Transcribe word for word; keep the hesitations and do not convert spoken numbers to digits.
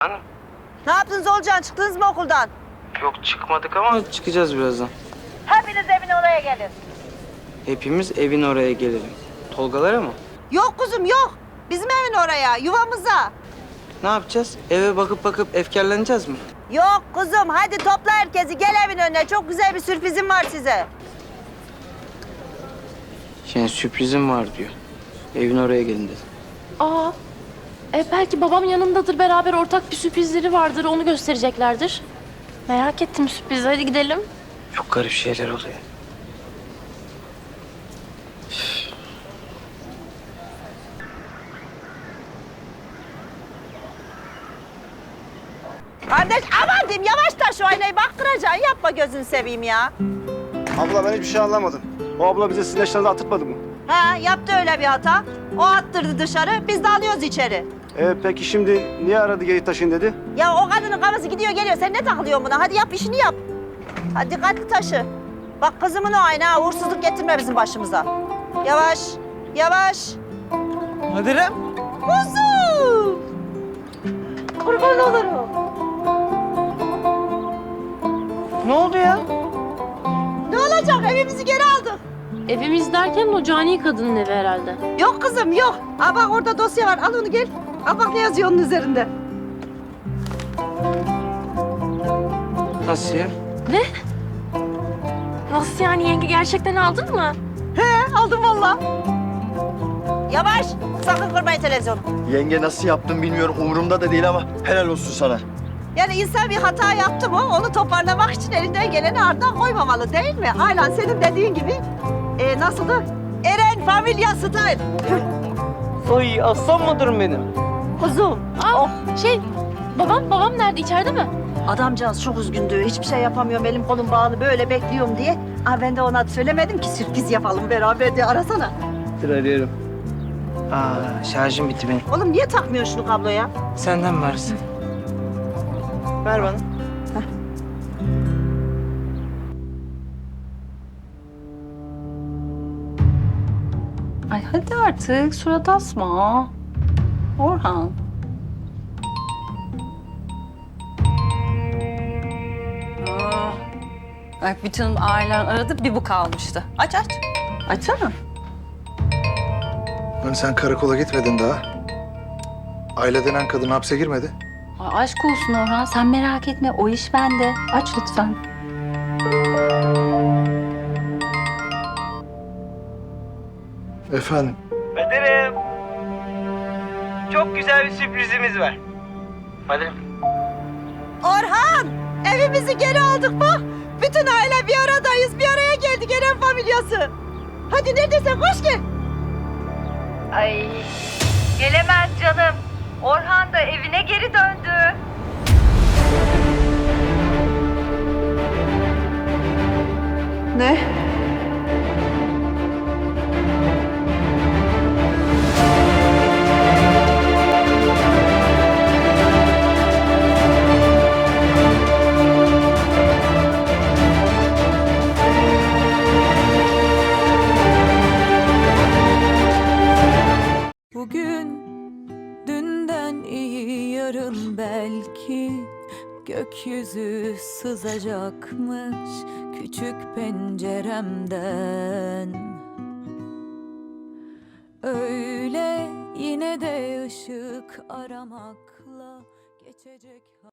Hanım? Ne yaptınız Olcan? Çıktınız mı okuldan? Yok çıkmadık ama çıkacağız birazdan. Hepiniz evin oraya gelin. Hepimiz evin oraya gelelim. Tolgalara mı? Yok kuzum yok. Bizim evin oraya, yuvamıza. Ne yapacağız? Eve bakıp bakıp efkarlanacağız mı? Yok kuzum hadi topla herkesi gel evin önüne. Çok güzel bir sürprizim var size. Yani sürprizim var diyor. Evin oraya gelin dedi. Aa, e, belki babam yanındadır, beraber ortak bir sürprizleri vardır, onu göstereceklerdir. Merak ettim sürprizi, hadi gidelim. Çok garip şeyler oluyor. Kardeş aman diyeyim yavaş taş şu aynayı bak kıracaksın. Yapma gözünü seveyim ya. Abla ben hiçbir şey anlamadım. O abla bize sizin eşyalarınızı attırmadı mı? Ha yaptı öyle bir hata. O attırdı dışarı biz de alıyoruz içeri. Ee, peki şimdi niye aradı geri taşıyın dedi? Ya o kadının kafası gidiyor geliyor. Sen ne takılıyorsun buna? Hadi yap işini yap. Hadi dikkatli taşı. Bak kızımın o aynı ha. Uğursuzluk getirme bizim başımıza. Yavaş. Yavaş. Hadi Kuzum. Kurban olurum. Ne oldu ya? Ne olacak? Evimizi geri aldık. Evimiz derken o cani kadının evi herhalde. Yok kızım yok. Aa bak orada dosya var. Al onu gel. Al bak ne yazıyor onun üzerinde. Nasıl ya? Nasıl yani, yenge gerçekten aldın mı? He aldım valla. Yavaş. Sakın kırmayın televizyonu. Yenge nasıl yaptın bilmiyorum. Umurumda da değil ama helal olsun sana. Yani insan bir hata yaptı mı onu toparlamak için elinden geleni ardına koymamalı değil mi? Aynen senin dediğin gibi. E, nasıldı? Eren Familya Style. Ay aslan mıdırım benim? Kuzum. Aa, şey, babam, babam nerede, içeride mi? Adamcağız çok üzgündü. Hiçbir şey yapamıyorum. Elim kolum bağlı böyle bekliyorum diye. Aa, ben de ona söylemedim ki sürpriz yapalım beraber diye. Arasana. Dur arıyorum. Aa şarjım bitti benim. Oğlum niye takmıyorsun şunu kabloya? Senden mi varsın? Ver bana. Ay hadi artık surat asma. Orhan. Aa, bak bütün ailen aradı bir bu kalmıştı. Aç aç. Açsana. Hani sen karakola gitmedin daha. Aile denen kadın hapse girmedi. Ay aşk olsun Orhan, sen merak etme, o iş bende. Aç lütfen. Efendim, Kadir'im. Çok güzel bir sürprizimiz var. Hadi. Orhan! Evimizi geri aldık bak. Bütün aile bir aradayız. Bir araya geldik Eren familyası. Hadi neredesin koş gel. Ay gelemez canım. Orhan da evine geri döndü. Ne? Bugün dünden iyi yarın belki gökyüzü sızacakmış küçük penceremden. Öyle yine de ışık aramakla geçecek.